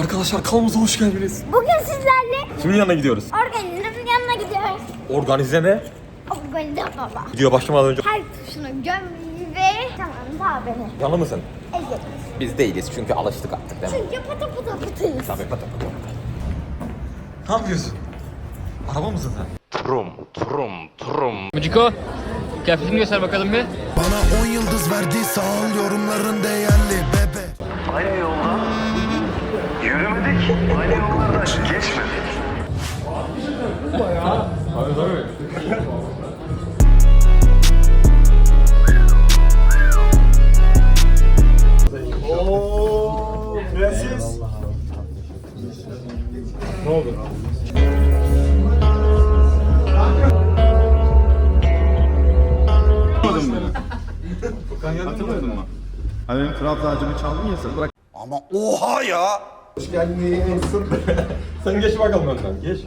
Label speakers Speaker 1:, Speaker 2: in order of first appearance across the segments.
Speaker 1: Arkadaşlar kanalımıza hoş geldiniz.
Speaker 2: Bugün sizlerle
Speaker 1: Kimin yanına gidiyoruz?
Speaker 2: organizenin yanına gidiyoruz.
Speaker 1: Organize ne?
Speaker 2: Organize baba.
Speaker 1: Video başlamadan önce
Speaker 2: Her tuşunu göm ve tamam daha beni.
Speaker 1: yanı mısın?
Speaker 2: Evet.
Speaker 1: Biz değiliz çünkü alıştık artık değil mi?
Speaker 2: Çünkü pata pata patayız.
Speaker 1: Tabii pata. Ne yapıyorsun? Araba mısın sen? Trum.
Speaker 3: Muciko, kıyafetini göster bakalım bir.
Speaker 4: Bana 10 yıldız verdi sağ ol yorumların değerli bebe.
Speaker 5: Aynı yoldan yürümedik, aynı yollardan geçmedik.
Speaker 6: Hani benim kral tacımı çaldın ya sen. Bırak.
Speaker 4: Ama oha ya.
Speaker 6: Hoş geldin.
Speaker 1: Sen geç bakalım önden. Geç.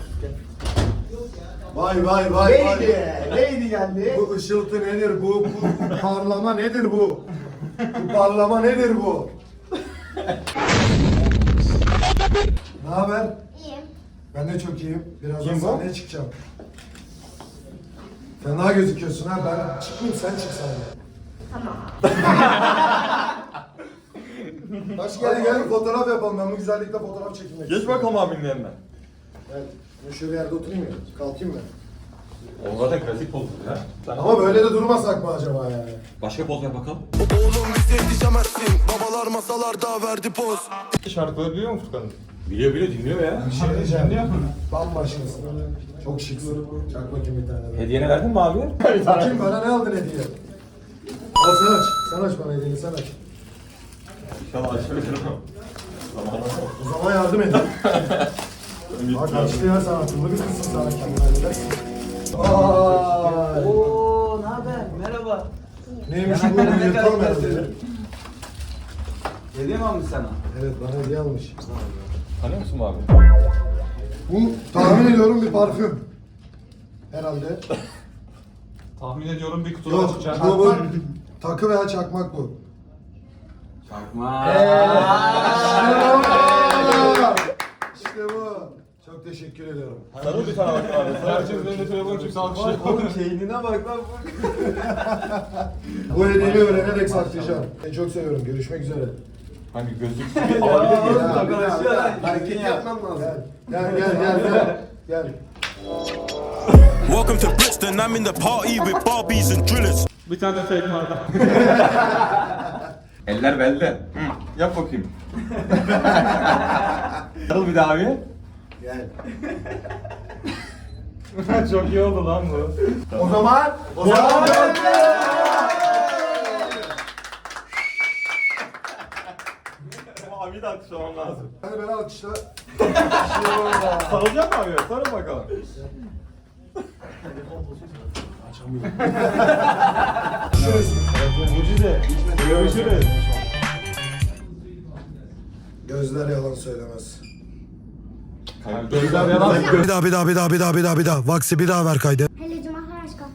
Speaker 6: Vay. Neydi geldi? Bu ışıltı nedir bu? Bu parlama nedir bu? Bu parlama nedir bu? Ne haber?
Speaker 2: İyiyim.
Speaker 6: Ben de çok iyiyim. Birazdan sahneye çıkacağım. Fena gözüküyorsun ha. Ben çıkmayayım sen çık sahneye.
Speaker 2: Tamam.
Speaker 6: Hadi gel fotoğraf yapalım. Ben bu güzellikle fotoğraf çekmek
Speaker 1: Geç bakalım abinin yanına.
Speaker 6: Evet. Ben şöyle yerde oturayım ya. Kalkayım mı?
Speaker 1: O zaten klasik poz ya. Sen
Speaker 6: Ama böyle de durmasak mı acaba yani?
Speaker 1: başka poz ver bakalım.
Speaker 4: Oğlum bize yetişemezsin. Babalar masalarda verdi poz.
Speaker 1: Şarkıları biliyor musun Furkan'ın? Biliyor dinliyor ya.
Speaker 6: Bir şey diyeceğim. Bambaşkasın. Çok şıksın. Çak bakayım bir tane daha.
Speaker 1: Hediyeni verdin mi abi?
Speaker 6: Bakayım bana ne aldın hediye? Al sen aç. Sen aç bana hediyeni sen aç.
Speaker 1: İnşallah açabilirim.
Speaker 6: O zaman yardım edin. Bak açtı ya sen akıllı bir kızsın sana kendine halledersin. Vay.
Speaker 7: Oo, ne haber? Merhaba.
Speaker 6: Neymiş bu? Bu yırtalım herhalde.
Speaker 7: Hediye mi almış sana?
Speaker 6: Evet bana hediye almış.
Speaker 1: Tanıyor musun abi?
Speaker 6: Bu tahmin ediyorum bir parfüm. Herhalde.
Speaker 1: Tahmin ediyorum bir kutuda
Speaker 6: Yok bu takı veya çakmak bu.
Speaker 7: Çakma.
Speaker 6: İşte bu. Çok teşekkür ediyorum.
Speaker 1: Sarıl bir tane bakın abi. Herkes önünde telefon çıksa alkışlar.
Speaker 7: Oğlum keyfine bak lan.
Speaker 6: Bu hediyeni öğrenerek saklayacağım. Seni çok seviyorum. Görüşmek üzere.
Speaker 1: Hani gözlüksüz alabilir miyim?
Speaker 7: Arkadaşlar
Speaker 6: Hareket
Speaker 7: hareket yapmam lazım.
Speaker 6: Gel.
Speaker 4: Welcome to Brixton, I'm in the party with Barbies and drillers.
Speaker 1: Bir tane de fake vardı. Eller belde. Yap bakayım. Sarıl bir daha abi.
Speaker 6: Gel.
Speaker 1: Çok iyi oldu lan bu.
Speaker 6: O zaman
Speaker 1: Ama abi de alkışlamam lazım.
Speaker 6: hadi beni alkışla.
Speaker 1: Sarılacak mı abi? Sarıl bakalım. Mucize. Görüşürüz.
Speaker 6: Gözler yalan söylemez.
Speaker 1: Gözler yalan.
Speaker 4: Bir daha. Vaksi bir daha ver kaydı.
Speaker 2: Hele cumalar aşkım.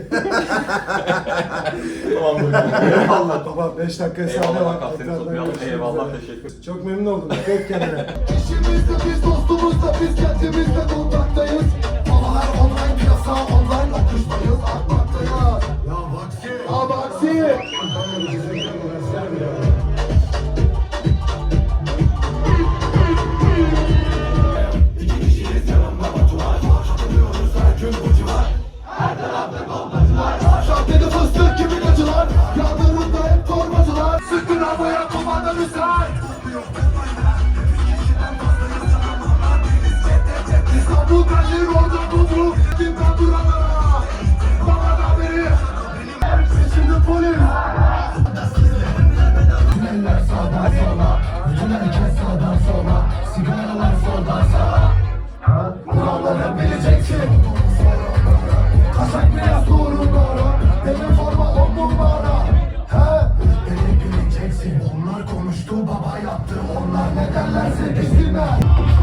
Speaker 6: Eyvallah tamam 5 dakika sahne
Speaker 1: Eyvallah
Speaker 6: var.
Speaker 1: bak seni
Speaker 6: Tekrardan
Speaker 1: tutmayalım.
Speaker 6: görüşmek
Speaker 1: Eyvallah
Speaker 6: üzere.
Speaker 1: teşekkür.
Speaker 6: Çok memnun oldum. Dikkat et kendine.
Speaker 4: İşimizde biz dostumuzda biz kendimizle kontaktayız. Havalar online piyasa online okuştayız atmaktayız. Ya Vaksi. Şartede fıstık gibi gacılar. Yağlarında hep torbacılar. Sıkın havaya kumanda müsait. İstanbul Berlin Rodra Budru Dimden buralara Bana da biri Şimdi polis Tüneller sağdan sola Bütün herkes sağdan sola Sigaralar soldan sağa Kuralları bileceksin Kaçak beyaz doğru doğru Benim forma 10 numara Beni bileceksin Onlar konuştu baba yaptı Onlar ne derlerse desinler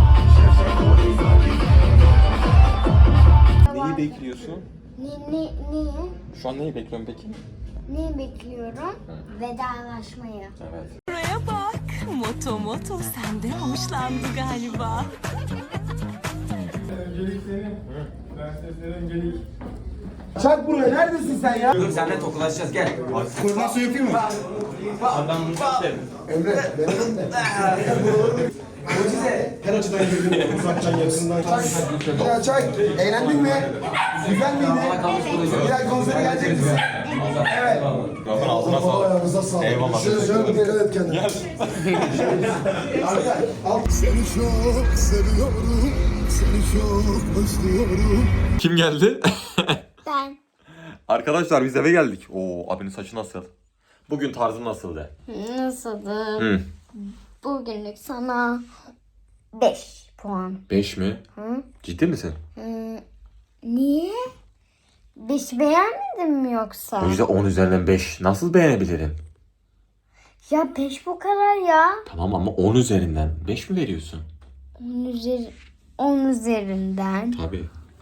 Speaker 1: Neyi bekliyorsun?
Speaker 2: Niye?
Speaker 1: Şu an neyi bekliyorsun peki?
Speaker 2: Neyi bekliyorum? Vedalaşmayı.
Speaker 1: Evet.
Speaker 8: Buraya bak. Moto senden hoşlandı galiba.
Speaker 6: Öncelik senin. Prensesler öncelik. Çak buraya, neredesin sen ya?
Speaker 7: Dur seninle tokalaşacağız gel.
Speaker 6: Koordinasyon yapayım mı?
Speaker 1: Adam bunu isterim.
Speaker 6: Emre, benim de.
Speaker 7: Mucize.
Speaker 6: Her açıdan girdim, uzaktan, yakından. Ya çay, eğlendin mi? Güzel miydi? Diğer konsere gelecek misin? Evet.
Speaker 1: Mikrofon altına sağ ol.
Speaker 6: Ayağınıza sağlık.
Speaker 1: Eyvallah.
Speaker 6: Şöyle dikkat et kendine. Arka, alt.
Speaker 4: Seni çok seviyorum, seni çok özlüyorum.
Speaker 1: Kim geldi?
Speaker 2: Ben.
Speaker 1: Arkadaşlar biz eve geldik. Oo, abinin saçı nasıl? Bugün tarzı nasıldı?
Speaker 2: Nasıldı?
Speaker 1: Hı.
Speaker 2: Bugünlük sana 5 puan.
Speaker 1: 5 mi?
Speaker 2: Hı?
Speaker 1: Ciddi misin?
Speaker 2: Niye? 5 beğenmedin mi yoksa?
Speaker 1: O yüzden 10 üzerinden 5. Nasıl beğenebilirim?
Speaker 2: Ya 5 bu kadar ya.
Speaker 1: Tamam ama 10 üzerinden 5 mi veriyorsun?
Speaker 2: 10 üzerinden
Speaker 1: Tabii.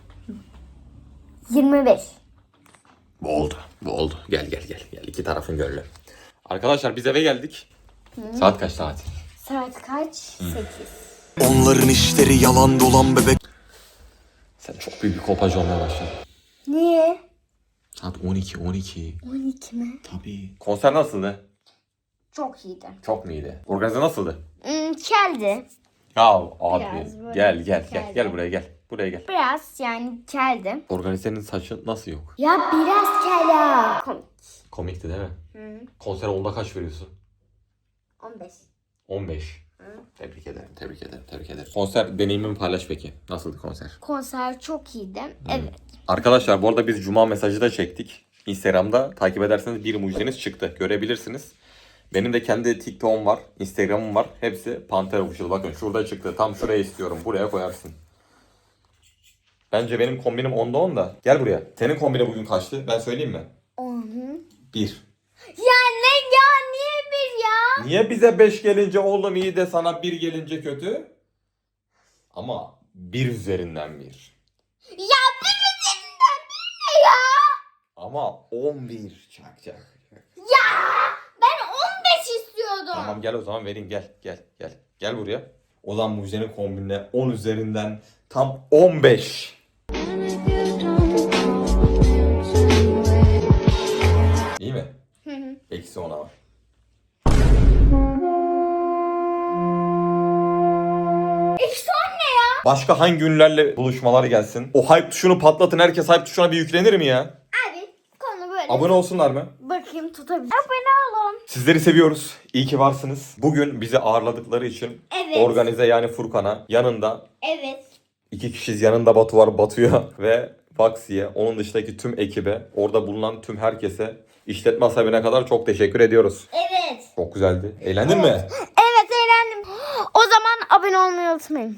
Speaker 2: 25.
Speaker 1: Bu oldu. Bu oldu. Gel. İki tarafın gönlü. Arkadaşlar biz eve geldik. Saat kaç saat?
Speaker 2: Saat kaç? 8.
Speaker 4: Onların işleri yalan dolan bebek.
Speaker 1: Sen çok büyük bir kolpacı olmaya başladın.
Speaker 2: Niye?
Speaker 1: Saat 12.
Speaker 2: 12 mi?
Speaker 1: Tabii. Konser nasıldı?
Speaker 2: Çok iyiydi.
Speaker 1: Çok mu iyiydi? Organize nasıldı?
Speaker 2: Keldi.
Speaker 1: Ya abi
Speaker 2: Biraz böyle
Speaker 1: gel
Speaker 2: geldi.
Speaker 1: buraya gel. Buraya gel.
Speaker 2: Biraz yani keldi.
Speaker 1: Organizenin saçı nasıl yok?
Speaker 2: Ya biraz kela. Komik.
Speaker 1: Komikti değil mi? Konsere 10'da kaç veriyorsun?
Speaker 2: 15.
Speaker 1: 15. Tebrik ederim. Konser deneyimimi paylaş peki. Nasıldı konser?
Speaker 2: Konser çok iyiydi. Evet.
Speaker 1: Arkadaşlar bu arada biz Cuma mesajı da çektik. Instagram'da takip ederseniz bir mucizeniz çıktı. Görebilirsiniz. Benim de kendi TikTok'um var. Instagram'ım var. Hepsi Panter Official. Bakın şurada çıktı. Tam şuraya istiyorum. Buraya koyarsın. Bence benim kombinim 10'da 10 da. Gel buraya. Senin kombine bugün kaçtı? Ben söyleyeyim mi? 1.
Speaker 2: Ya ne ya? Niye bir ya?
Speaker 1: Niye bize 5 gelince oğlum iyi de sana 1 gelince kötü? Ama 1 üzerinden 1.
Speaker 2: Ya bir üzerinden bir ne ya?
Speaker 1: Ama 11 çak.
Speaker 2: Ya ben 15 istiyordum.
Speaker 1: Tamam gel o zaman vereyim gel. Gel buraya. O zaman Mucize'nin kombinine 10 üzerinden tam 15. İyi mi? Eksi 10'a var.
Speaker 2: Eksi 10 ne ya?
Speaker 1: Başka hangi ünlülerle buluşmalar gelsin? O hype tuşunu patlatın, herkes hype tuşuna bir yüklenir mi ya?
Speaker 2: Abi konu böyle.
Speaker 1: Abone olsunlar mı?
Speaker 2: Bakayım tutabilir. Abone olun.
Speaker 1: Sizleri seviyoruz. İyi ki varsınız. Bugün bizi ağırladıkları için
Speaker 2: Evet.
Speaker 1: organize yani Furkan'a yanında
Speaker 2: Evet.
Speaker 1: 2 kişiyiz. Yanında Batu var, Batu'ya ve Vaksi'ye. Onun dışındaki tüm ekibe, orada bulunan tüm herkese, işletme sahibine kadar çok teşekkür ediyoruz.
Speaker 2: Evet.
Speaker 1: Çok güzeldi. Eğlendin mi?
Speaker 2: Evet eğlendim. O zaman abone olmayı unutmayın.